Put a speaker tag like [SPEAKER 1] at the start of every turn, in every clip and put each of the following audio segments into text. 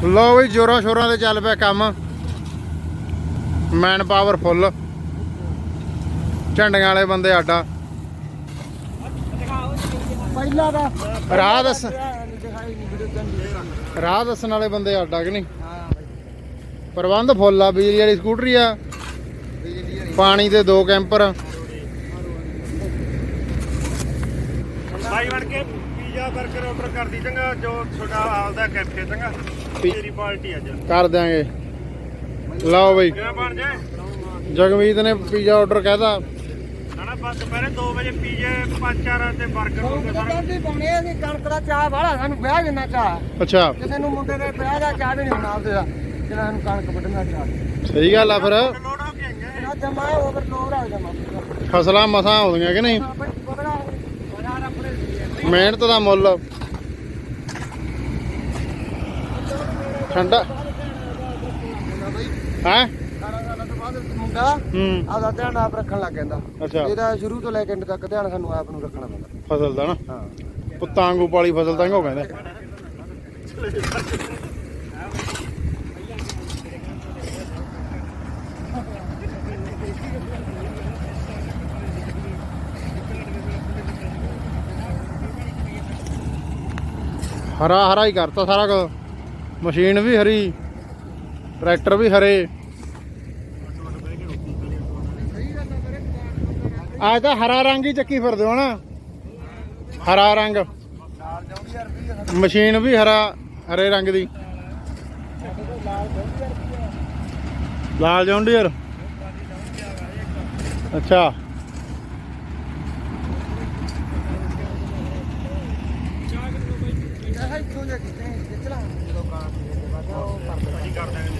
[SPEAKER 1] लो B जोरों शोरों से चल पे काम मैन पावर फुल झंडियां वाले बंदे आडा राह दसन वाले बंदे आडा कि नहीं प्रबंध फुल आ बिजली वाली स्कूटरी आ पानी दे 2 कैंपर
[SPEAKER 2] भाई बन के पिज़्ज़ा बर्गर ऑर्डर कर दी चंगा जो छोटा आपदा कैफे चंगा तेरी पार्टी अज
[SPEAKER 1] कर देंगे लो बई
[SPEAKER 2] किवें बन जाए
[SPEAKER 1] जगमीत ने पिज़्ज़ा ऑर्डर कहता
[SPEAKER 2] ना बस दोपहरे 2 वजे पिज़्ज़े 5-4 ते बर्गर हो गए सारे
[SPEAKER 3] कणक ਦਾ ਚਾਹ ਵਾਲਾ ਸਾਨੂੰ ਵਿਆਹ ਜਿੰਨਾ ਚਾਹ
[SPEAKER 1] अच्छा
[SPEAKER 3] ਕਿਸੇ ਨੂੰ ਮੁੰਡੇ ਦੇ ਵਿਆਹ ਦਾ ਚਾਹ ਵੀ ਨਹੀਂ ਬਣਾਉਂਦੇ ਦਾ ਜਿਹਨਾਂ ਨੂੰ ਕਣਕ ਵੱਢਣਾ ਚਾਹ
[SPEAKER 1] सही गल आ फिर
[SPEAKER 2] लोड हो के आईਆਂ
[SPEAKER 3] ਨਾ ਜਮਾ ਓਵਰਲੋਡ ਆ ਜਮਾ
[SPEAKER 1] फसलां मसां आउंदियां कि नहीं
[SPEAKER 3] ਬੜਾ ਬਾਜ਼ਾਰ ਆਪਣੇ
[SPEAKER 1] मेहनत का मुल ठंडा है
[SPEAKER 3] ਮੁੰਡਾ ਆਪਦਾ ਧਿਆਨ ਆਪ ਰੱਖਣ ਲੱਗ ਜਾਂਦਾ
[SPEAKER 1] अच्छा
[SPEAKER 3] ਇਹਦਾ ਸ਼ੁਰੂ ਤੋਂ ਲੈ ਕੇ ਐਂਡ ਤੱਕ ਧਿਆਨ ਸਾਨੂੰ ਆਪ ਨੂੰ ਰੱਖਣਾ ਪੈਂਦਾ
[SPEAKER 1] फसल का ना
[SPEAKER 3] ਹਾਂ
[SPEAKER 1] पुत्तां वांगू पाली फसल तां हो कहंदे हरा हरा ही करता सारा कुछ मशीन भी हरी ट्रैक्टर भी हरे आज तो हरा रंग ही चक्की फिरदे हो ना हरा रंग मशीन भी हरा हरे रंग दी लाल जॉन डियर अच्छा
[SPEAKER 3] ਇੱਥੋਂ ਜਾ ਕੇ ਚਲਾ ਜਦੋਂ ਕਾਂ ਦੇ ਬਾਅਦ ਉਹ
[SPEAKER 2] ਅਸੀਂ ਕਰ ਦਾਂਗੇ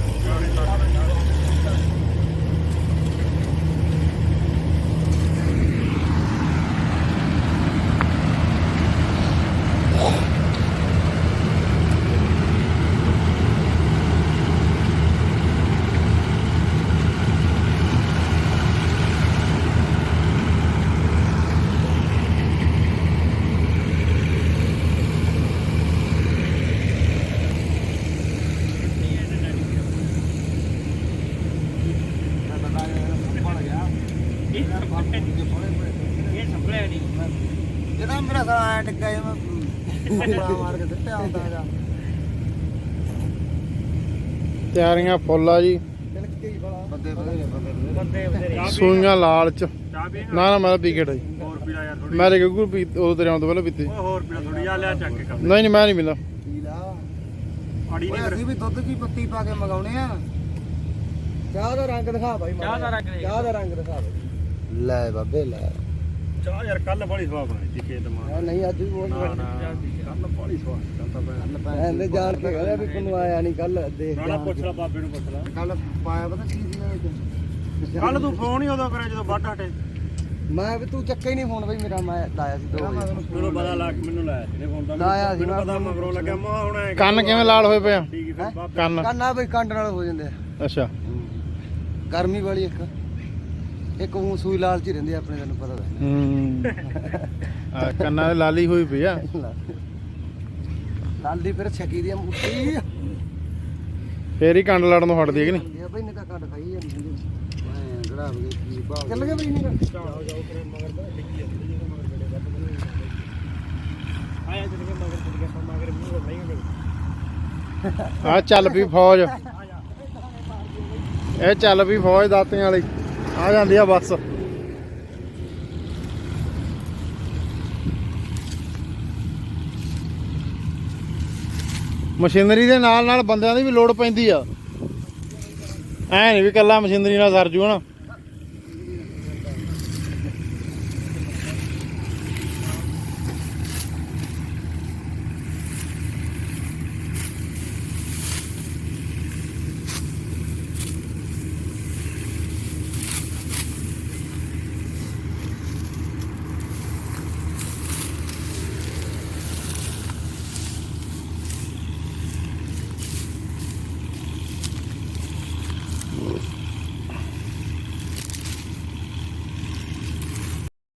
[SPEAKER 3] ਜਿਹਦਾ ਮੇਰਾ ਸਾਲਾ ਟਿੱਕਾ ਜਿਹਾ ਮੈਂ ਮਾਰ ਕੇ ਦਿੱਤਾ ਹੁੰਦਾ ਹੈਗਾ
[SPEAKER 1] ਤਿਆਰੀਆਂ ਫੁੱਲ ਆ ਜੀ
[SPEAKER 3] ਬੰਦੇ ਬੰਦੇ
[SPEAKER 1] ਸੂਈਆਂ ਲਾਲ ਚ
[SPEAKER 2] ਚਾਹ ਪੀ
[SPEAKER 1] ਨਾ ਨਾ ਮੈਂ ਪੀ ਕੇ ਢਾਈ
[SPEAKER 2] ਹੋਰ ਪੀਲਾ ਯਾਰ ਥੋੜੀ
[SPEAKER 1] ਮੈਂ ਤੇ ਗੁੱਗੂ ਪੀ ਉਦੋਂ ਤੇਰੇ ਆਉਣ ਤੋਂ ਪਹਿਲਾਂ ਪੀਤੀ
[SPEAKER 2] ਹੋਰ ਪੀਲਾ ਥੋੜੀ ਆ ਲਿਆ ਚੱਕ ਕੇ ਕਰ
[SPEAKER 1] ਨਹੀਂ ਨਹੀਂ ਮੈਂ ਨਹੀਂ ਮਿਲਦਾ
[SPEAKER 3] ਪੀ ਲਾ
[SPEAKER 2] ਆੜੀ
[SPEAKER 3] ਓਏ
[SPEAKER 2] ਨਹੀਂ
[SPEAKER 3] ਅਸੀਂ ਵੀ ਦੁੱਧ ਦੀ ਪੱਤੀ ਪਾ ਕੇ ਮਗਾਉਣੇ ਆ ਚਾਹ ਦਾ ਰੰਗ ਦਿਖਾ ਬਾਈ ਚਾਹ ਦਾ ਰੰਗ ਦਿਖਾ ਬਾਈ ਲੈ ਬਾਬੇ ਲੈ
[SPEAKER 2] ਚਾਹ ਯਾਰ ਕੱਲ ਬੜੀ ਸਵਾਦ ਬਣਾਈ ਸੀ ਖੇਤ ਮਾਂ
[SPEAKER 3] ਨਹੀਂ ਅੱਜ ਵੀ ਬਹੁਤ
[SPEAKER 2] ਕੱਲ ਬੜੀ ਸਵਾਦ ਕੱਲ ਤਾਂ
[SPEAKER 3] ਐਂਦੇ ਜਾਣ ਕੇ ਕਹਿੰਦਾ ਵੀ ਤੈਨੂੰ ਆਇਆ ਨਹੀਂ ਕੱਲ ਦੇਖ
[SPEAKER 2] ਰਾਣਾ ਪੁੱਛ ਲੈ ਬਾਬੇ ਨੂੰ ਪੁੱਛ ਲੈ
[SPEAKER 3] ਕੱਲ ਪਾਇਆ ਪਤਾ ਕੀ ਸੀਗਾ ਵਿੱਚ
[SPEAKER 2] ਕੱਲ ਤੂੰ ਫੋਨ ਹੀ ਉਦੋਂ ਕਰਿਆ ਜਦੋਂ ਵੱਢ ਹਟੇ
[SPEAKER 3] ਮੈਂ ਵੀ ਤੂੰ ਚੱਕਿਆ ਹੀ ਨਹੀਂ ਫੋਨ ਬਈ ਮੇਰਾ ਮੈਂ ਲਾਇਆ ਸੀ 2 ਵਜੇ
[SPEAKER 2] ਮੈਨੂੰ ਪਤਾ ਲੱਗ ਮੈਨੂੰ ਲਾਇਆ ਇਹਨੇ ਫੋਨ ਤਾਂ
[SPEAKER 3] ਲਾਇਆ ਸੀ
[SPEAKER 2] ਮੈਨੂੰ
[SPEAKER 3] ਮੈਂ
[SPEAKER 2] ਪਤਾ ਮਗਰੋਂ ਲੱਗਿਆ ਮੈਂ ਹੁਣ ਐਂ
[SPEAKER 1] ਕੰਨ ਕਿਵੇਂ ਲਾਲ ਹੋਏ ਪਏ ਆ
[SPEAKER 2] ਠੀਕ ਹੈ ਫਿਰ ਬਾਬੇ
[SPEAKER 1] ਕੰਨ
[SPEAKER 3] ਕੰਨਾ ਬਈ ਕੰਡ ਨਾਲ ਹੋ ਜਾਂਦੇ ਆ
[SPEAKER 1] ਅੱਛਾ
[SPEAKER 3] ਗਰਮੀ ਵਾਲੀ ਇੱਕ ਉਹ ਸੂਈ ਲਾਲ ਚ ਹੀ ਰਹਿੰਦੀ ਆ ਆਪਣੇ ਤੈਨੂੰ ਪਤਾ ਤਾਂ
[SPEAKER 1] ਆ ਕੰਨਾਂ ਦੇ ਲਾਲੀ ਹੋਈ ਪਈ ਆ
[SPEAKER 3] ਲਾਲ ਦੀ ਫਿਰ ਛਕੀ ਦੀ ਮੁੱਠੀ
[SPEAKER 1] ਫੇਰ ਹੀ ਕੰਡ ਲੜਨ ਨੂੰ ਹਟਦੀ ਹੈ ਕਿ ਨਹੀਂ
[SPEAKER 3] ਇਹ ਬਈ ਨੇ ਤਾਂ ਕੱਢ ਖਾਈ ਜਾਂਦੀ ਮੈਂ ਗੜਾ ਬਗੇ ਕੀ ਬਾਹ ਚੱਲ ਗਏ ਬਈ ਨੇ
[SPEAKER 2] ਜਾਓ ਕਰੇ ਮਗਰ ਤਾਂ ਡਿੱਗੀ ਜਾਂਦੀ ਜਦੋਂ ਮਗਰ ਬੜੇ ਵੱਧ ਆਇਆ ਚੱਲ ਕੇ ਮਗਰ ਮੂੰਹ ਨਹੀਂ ਗਏ
[SPEAKER 1] ਆ ਚੱਲ ਪਈ ਫੌਜ ਇਹ ਚੱਲ ਪਈ ਫੌਜ ਦਾਤੀਆਂ ਵਾਲੀ ਆ ਜਾਂਦੀ ਆ ਬੱਸ ਮਸ਼ੀਨਰੀ ਦੇ ਨਾਲ ਨਾਲ ਬੰਦਿਆਂ ਦੀ ਵੀ ਲੋੜ ਪੈਂਦੀ ਆ ਐ ਨਹੀਂ ਵੀ ਕੱਲਾ ਮਸ਼ੀਨਰੀ ਨਾਲ ਸਰ ਜੂ ਹਨਾ